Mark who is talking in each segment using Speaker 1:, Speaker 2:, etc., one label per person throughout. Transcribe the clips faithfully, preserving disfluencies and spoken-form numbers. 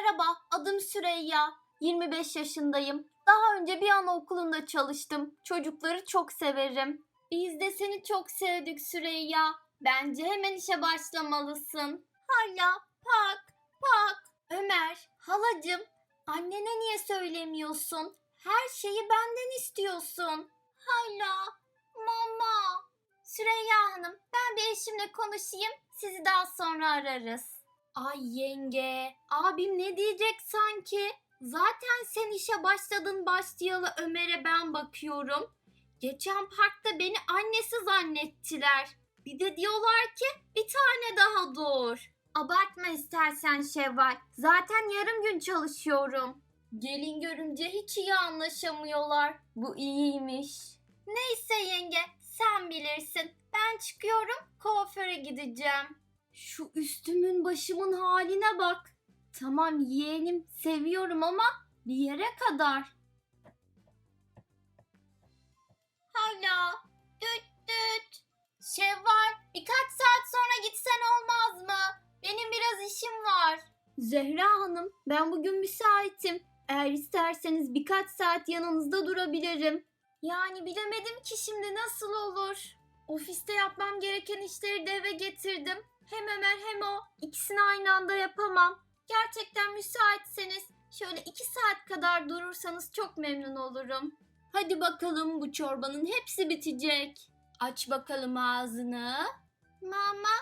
Speaker 1: Merhaba, adım Süreyya. yirmi beş yaşındayım. Daha önce bir anaokulunda çalıştım. Çocukları çok severim. Biz de seni çok sevdik Süreyya. Bence hemen işe başlamalısın. Hala, pak, pak. Ömer, halacığım, annene niye söylemiyorsun? Her şeyi benden istiyorsun. Hala, mama. Süreyya Hanım, ben bir eşimle konuşayım. Sizi daha sonra ararız. Ay yenge, abim ne diyecek sanki? Zaten sen işe başladın başlayalı Ömer'e ben bakıyorum. Geçen parkta beni annesi zannettiler. Bir de diyorlar ki bir tane daha doğur. Abartma istersen Şevval. Zaten yarım gün çalışıyorum. Gelin görünce hiç iyi anlaşamıyorlar. Bu iyiymiş. Neyse yenge, sen bilirsin. Ben çıkıyorum, kuaföre gideceğim. Şu üstümün başımın haline bak. Tamam yeğenim, seviyorum ama bir yere kadar. Hala, düt düt. Şevval, birkaç saat sonra gitsen olmaz mı? Benim biraz işim var. Zehra Hanım, ben bugün müsaitim. Eğer isterseniz birkaç saat yanınızda durabilirim. Yani bilemedim ki şimdi nasıl olur. Ofiste yapmam gereken işleri de eve getirdim. Hem Ömer hem o. İkisini aynı anda yapamam. Gerçekten müsaitseniz şöyle iki saat kadar durursanız çok memnun olurum. Hadi bakalım, bu çorbanın hepsi bitecek. Aç bakalım ağzını. Mama.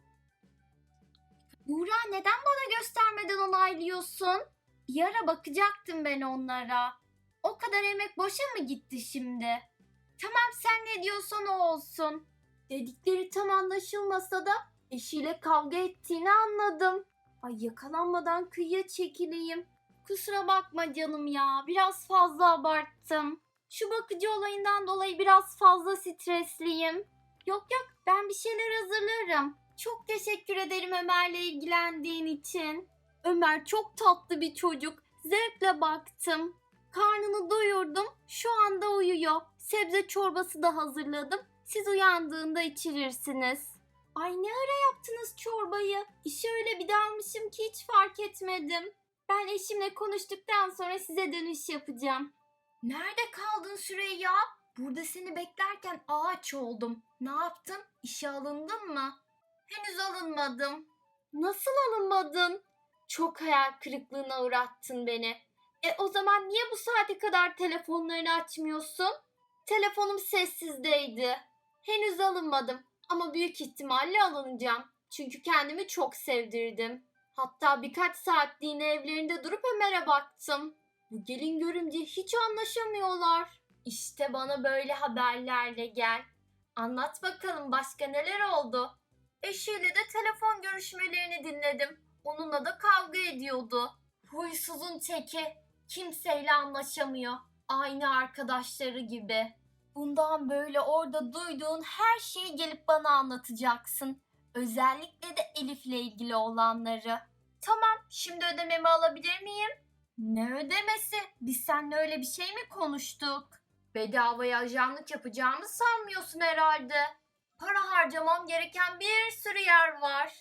Speaker 1: Buğra, neden bana göstermeden onaylıyorsun? Bir ara bakacaktım ben onlara. O kadar emek boşa mı gitti şimdi? Tamam, sen ne diyorsan o olsun. Dedikleri tam anlaşılmasa da eşiyle kavga ettiğini anladım. Ay yakalanmadan kıyıya çekileyim. Kusura bakma canım ya, biraz fazla abarttım. Şu bakıcı olayından dolayı biraz fazla stresliyim. Yok yok, ben bir şeyler hazırlarım. Çok teşekkür ederim Ömer'le ilgilendiğin için. Ömer çok tatlı bir çocuk. Zevkle baktım. Karnını doyurdum. Şu anda uyuyor. Sebze çorbası da hazırladım. Siz uyandığında içirirsiniz. Ay ne ara yaptınız çorbayı? İşe öyle bir dalmışım ki hiç fark etmedim. Ben eşimle konuştuktan sonra size dönüş yapacağım. Nerede kaldın Süreyya? Burada seni beklerken ağaç oldum. Ne yaptın? İşe alındın mı? Henüz alınmadım. Nasıl alınmadın? Çok hayal kırıklığına uğrattın beni. E o zaman niye bu saate kadar telefonlarını açmıyorsun? Telefonum sessizdeydi. Henüz alınmadım ama büyük ihtimalle alınacağım. Çünkü kendimi çok sevdirdim. Hatta birkaç saatliğine evlerinde durup Ömer'e baktım. Bu gelin görümce hiç anlaşamıyorlar. İşte bana böyle haberlerle gel. Anlat bakalım, başka neler oldu? Eşiyle de telefon görüşmelerini dinledim. Onunla da kavga ediyordu. Huysuzun teki. Kimseyle anlaşamıyor. Aynı arkadaşları gibi. Bundan böyle orada duyduğun her şeyi gelip bana anlatacaksın. Özellikle de Elif'le ilgili olanları. Tamam, şimdi ödememi alabilir miyim? Ne ödemesi? Biz seninle öyle bir şey mi konuştuk? Bedavaya ajanlık yapacağımı sanmıyorsun herhalde. Para harcamam gereken bir sürü yer var.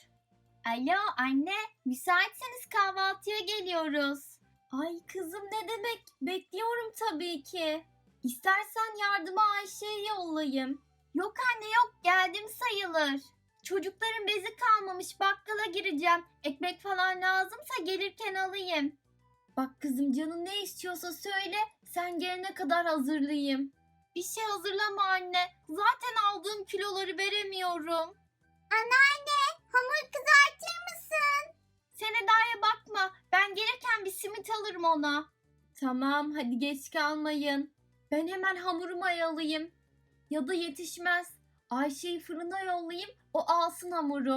Speaker 1: Alo anne, müsaitseniz kahvaltıya geliyoruz. Ay kızım, ne demek? Bekliyorum tabii ki. İstersen yardıma Ayşe'yi yollayayım. Yok anne yok, geldim sayılır. Çocukların bezi kalmamış, bakkala gireceğim. Ekmek falan lazımsa gelirken alayım. Bak kızım, canın ne istiyorsa söyle, sen gelene kadar hazırlayayım. Bir şey hazırlama anne. Zaten aldığım kiloları veremiyorum. Anneanne, hamur kızartır mısın? Sen Eda'ya bakma. Ben gelirken bir simit alırım ona. Tamam, hadi geç kalmayın. Ben hemen hamuru mayalayayım. Ya da yetişmez. Ayşe'yi fırına yollayayım, o alsın hamuru.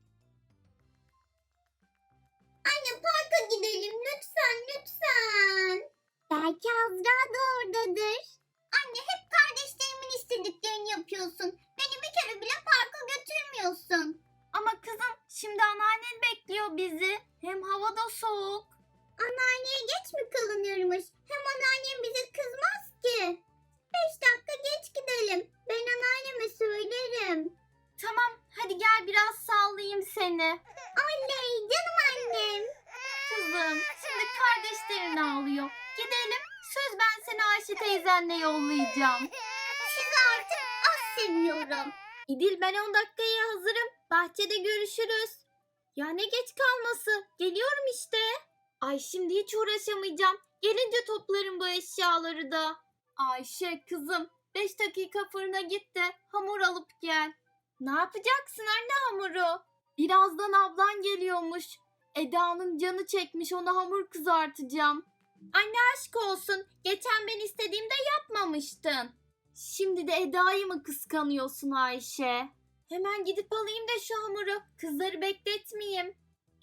Speaker 2: Anne, parka gidelim lütfen lütfen. Belki Azra da oradadır. Anne, hep kardeşlerimin istediklerini yapıyorsun. Beni bir kere bile parka götürmüyorsun.
Speaker 1: Ama kızım, şimdi anneannen bekliyor bizi. Hem hava da soğuk.
Speaker 2: Anneanneye geç mi kalınırmış? Hem anneannem bize kızmaz ki. Beş dakika geç gidelim. Ben anneanneme söylerim.
Speaker 1: Tamam, hadi gel biraz sallayayım seni.
Speaker 2: Oley, canım annem.
Speaker 1: Kızım, ağlıyor. Gidelim. Söz ben seni Ayşe teyzenle yollayacağım.
Speaker 2: Sizi artık az seviyorum.
Speaker 1: İdil ben on dakikaya hazırım. Bahçede görüşürüz. Ya ne geç kalması. Geliyorum işte. Ay şimdi hiç uğraşamayacağım. Gelince toplarım bu eşyaları da. Ayşe kızım beş dakika fırına git de hamur alıp gel. Ne yapacaksın anne hamuru? Birazdan ablan geliyormuş. Eda'nın canı çekmiş ona hamur kızartacağım. Anne aşk olsun. Geçen ben istediğimde yapmamıştın. Şimdi de Eda'yı mı kıskanıyorsun Ayşe? Hemen gidip alayım da şu hamuru. Kızları bekletmeyeyim.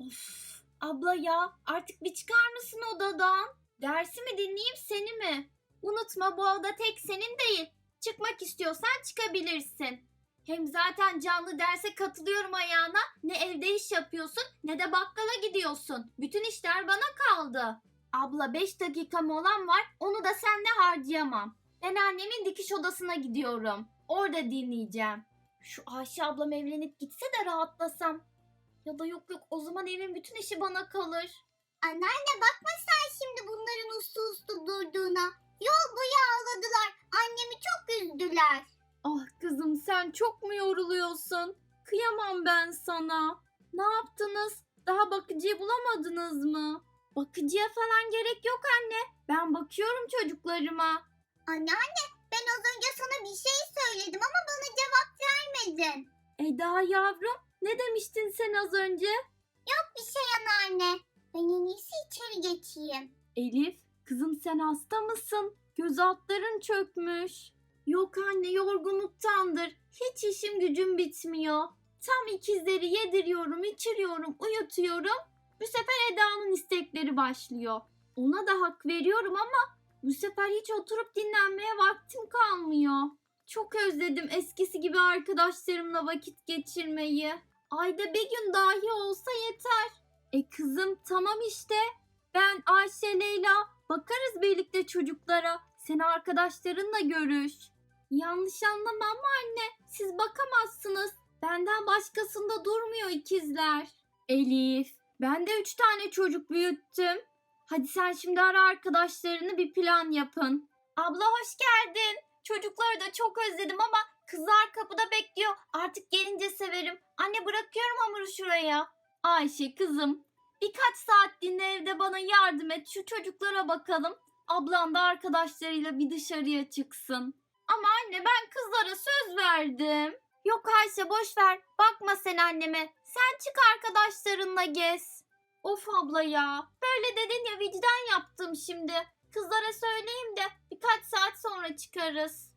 Speaker 1: Of abla ya artık bir çıkar mısın odadan? Dersi mi dinleyeyim seni mi? Unutma bu oda tek senin değil. Çıkmak istiyorsan çıkabilirsin. Hem zaten canlı derse katılıyorum ayağına. Ne evde iş yapıyorsun ne de bakkala gidiyorsun. Bütün işler bana kaldı. Abla beş dakika molam var onu da seninle harcayamam. Ben annemin dikiş odasına gidiyorum. Orada dinleyeceğim. Şu Ayşe ablam evlenip gitse de rahatlasam. Ya da yok yok o zaman evin bütün işi bana kalır.
Speaker 2: Anneanne bakma sen şimdi bunların uslu uslu durduğuna. Yol boyu ağladılar. Annemi çok üzdüler.
Speaker 1: Ah kızım sen çok mu yoruluyorsun? Kıyamam ben sana. Ne yaptınız? Daha bakıcıyı bulamadınız mı? Bakıcıya falan gerek yok anne. Ben bakıyorum çocuklarıma.
Speaker 2: Anneanne ben az önce sana bir şey söyledim ama bana cevap vermedin.
Speaker 1: Eda yavrum ne demiştin sen az önce?
Speaker 2: Yok bir şey anneanne. Ben en iyisi içeri geçeyim.
Speaker 1: Elif kızım sen hasta mısın? Göz altların çökmüş. Yok anne yorgunluktandır. Hiç işim gücüm bitmiyor. Tam ikizleri yediriyorum, içiriyorum, uyutuyorum. Bu sefer Eda'nın istekleri başlıyor. Ona da hak veriyorum ama bu sefer hiç oturup dinlenmeye vaktim kalmıyor. Çok özledim eskisi gibi arkadaşlarımla vakit geçirmeyi. Ayda bir gün dahi olsa yeter. E kızım tamam işte. Ben Ayşe, Leyla bakarız birlikte çocuklara. Sen arkadaşlarınla görüş. Yanlış anlama ama anne siz bakamazsınız. Benden başkasında durmuyor ikizler. Elif ben de üç tane çocuk büyüttüm. Hadi sen şimdi ara arkadaşlarını bir plan yapın. Abla hoş geldin. Çocukları da çok özledim ama kızlar kapıda bekliyor. Artık gelince severim. Anne bırakıyorum hamuru şuraya. Ayşe kızım birkaç saat dinle evde bana yardım et. Şu çocuklara bakalım. Ablan da arkadaşlarıyla bir dışarıya çıksın. Ama anne ben kızlara söz verdim. Yok Ayşe boş ver. Bakma sen anneme. Sen çık arkadaşlarınla gez. Of abla ya. Böyle dedin ya vicdan yaptım şimdi. Kızlara söyleyeyim de birkaç saat sonra çıkarız.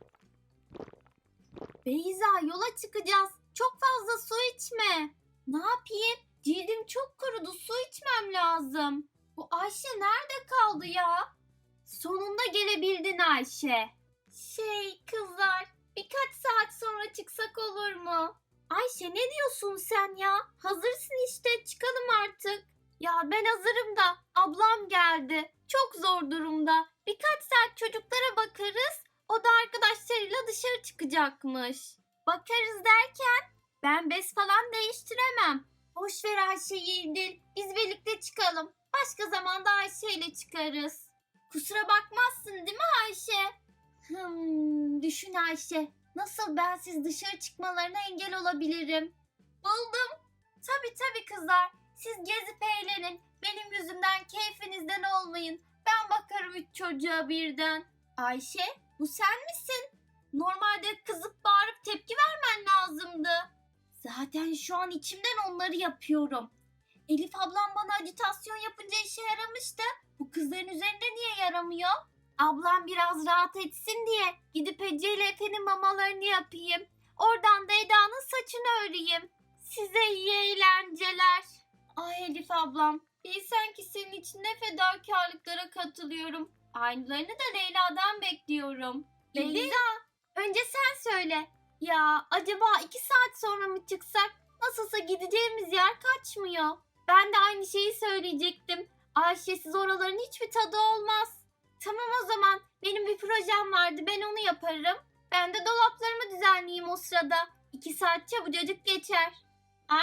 Speaker 1: Beyza yola çıkacağız. Çok fazla su içme. Ne yapayım? Cildim çok kurudu. Su içmem lazım. Bu Ayşe nerede kaldı ya? Sonunda gelebildin Ayşe. Şey kızlar birkaç saat sonra çıksak olur mu? Ayşe ne diyorsun sen ya? Hazırsın işte çıkalım artık. Ya ben hazırım da ablam geldi. Çok zor durumda. Birkaç saat çocuklara bakarız. O da arkadaşlarıyla dışarı çıkacakmış. Bakarız derken ben bez falan değiştiremem. Boş ver Ayşe'yi İdil. Biz birlikte çıkalım. Başka zamanda Ayşe ile çıkarız. Kusura bakmazsın değil mi Ayşe? Hmm, düşün Ayşe. Nasıl bensiz dışarı çıkmalarına engel olabilirim? Buldum. Tabii tabii kızlar. Siz gezip eğlenin. Benim yüzümden keyfinizden olmayın. Ben bakarım üç çocuğa birden. Ayşe bu sen misin? Normalde kızıp bağırıp tepki vermen lazımdı. Zaten şu an içimden onları yapıyorum. Elif ablam bana ajitasyon yapınca işe yaramıştı. Bu kızların üzerinde niye yaramıyor? Ablam biraz rahat etsin diye gidip Ece ile Efe'nin mamalarını yapayım. Oradan da Eda'nın saçını öreyim. Size iyi eğlenceler. Ay Elif ablam, bilsen ki senin için ne fedakarlıklara katılıyorum. Aynılarını da Leyla'dan bekliyorum. Beyza, önce sen söyle. Ya acaba iki saat sonra mı çıksak? Nasılsa gideceğimiz yer kaçmıyor. Ben de aynı şeyi söyleyecektim. Ayşe'siz oraların hiçbir tadı olmaz. Tamam o zaman. Benim bir projem vardı. Ben onu yaparım. Ben de dolaplarımı düzenleyeyim o sırada. İki saat çabucacık geçer.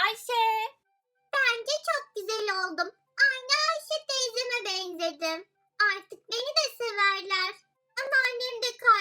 Speaker 1: Ayşe.
Speaker 2: Bence çok güzel oldum. Aynı Ayşe teyzeme benzedim.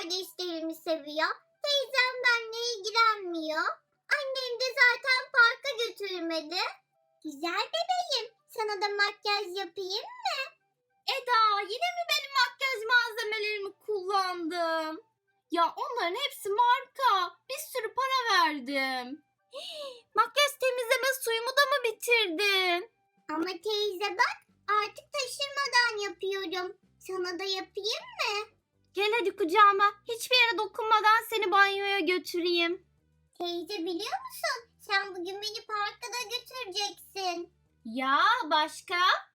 Speaker 2: kardeşlerimi seviyor. Teyzem benimle ilgilenmiyor. Annem de zaten parka götürmedi. Güzel bebeğim. Sana da makyaj yapayım.
Speaker 1: Eda, yine mi benim makyaj malzemelerimi kullandın? Ya onların hepsi marka. Bir sürü para verdim. Hii, makyaj temizleme suyumu da mı bitirdin?
Speaker 2: Ama teyze bak, artık taşırmadan yapıyorum. Sana da yapayım.
Speaker 1: Gel hadi kucağıma. Hiçbir yere dokunmadan seni banyoya götüreyim.
Speaker 2: Teyze biliyor musun? Sen bugün beni parka da götüreceksin.
Speaker 1: Ya başka?